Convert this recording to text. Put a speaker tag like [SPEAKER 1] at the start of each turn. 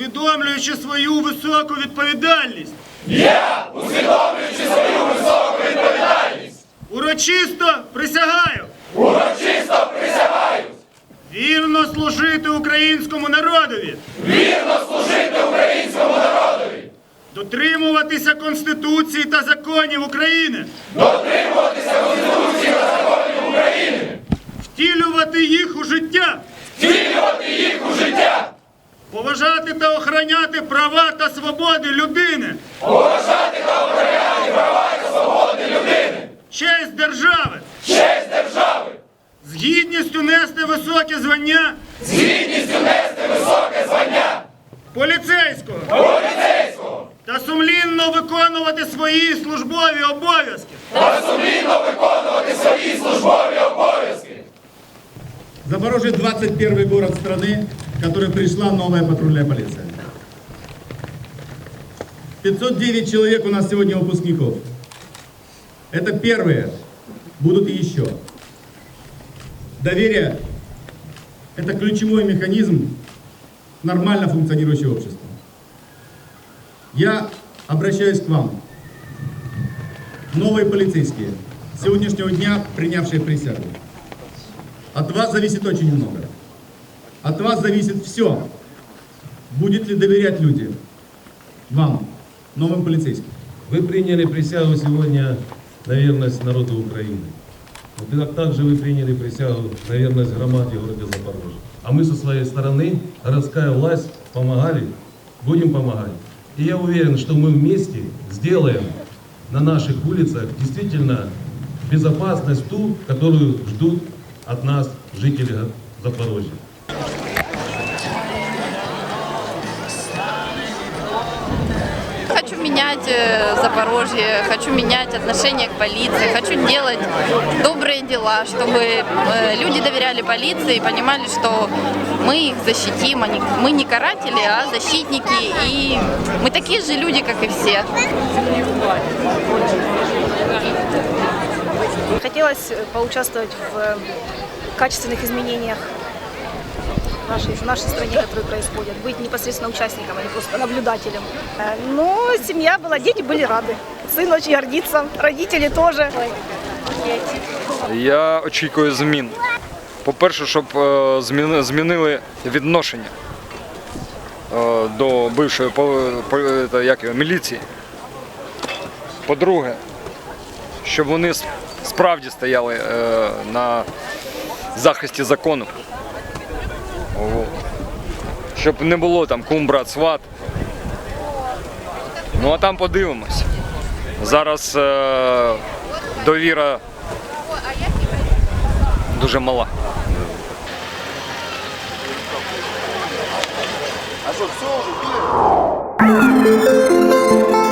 [SPEAKER 1] усвідомлюючи свою високу відповідальність, урочисто присягаю вірно служити українському народові, дотримуватися Конституції та законів України, втілювати їх у життя, поважати та охороняти права та свободи людини, честь держави, з гідністю нести високе звання поліцейського та сумлінно виконувати свої службові обов'язки.
[SPEAKER 2] Запорожье 21 город страны, в который пришла новая патрульная полиция. 509 человек у нас сегодня выпускников. Это первые, будут и еще. Доверие – это ключевой механизм нормально функционирующего общества. Я обращаюсь к вам, новые полицейские, с сегодняшнего дня принявшие присягу. От вас зависит очень много. От вас зависит все. Будет ли доверять люди вам, новым полицейским?
[SPEAKER 3] Вы приняли присягу сегодня на верность народу Украины. Вот также вы приняли присягу на верность громаде города Запорожья. А мы со своей стороны, городская власть, помогали, будем помогать. И я уверен, что мы вместе сделаем на наших улицах действительно безопасность ту, которую ждут от нас жители Запорожья.
[SPEAKER 4] Хочу менять Запорожье, хочу менять отношение к полиции, хочу делать добрые дела, чтобы люди доверяли полиции и понимали, что мы их защитим. Мы не каратели, а защитники, и мы такие же люди, как и все.
[SPEAKER 5] Хотелось поучаствовать в качественных изменениях в нашей стране, которые происходят, быть непосредственно участником, а не просто наблюдателем. Но семья была, дети были рады. Сын очень гордится, родители тоже.
[SPEAKER 6] Я очікую змін. По-перше, щоб змінили відношення до бившої міліції. По-друге, щоб вони справді стояли на захисті закону. Щоб не було там кум, брат, сват. Ну а там подивимось. Зараз довіра дуже мала.
[SPEAKER 7] А що, все вже?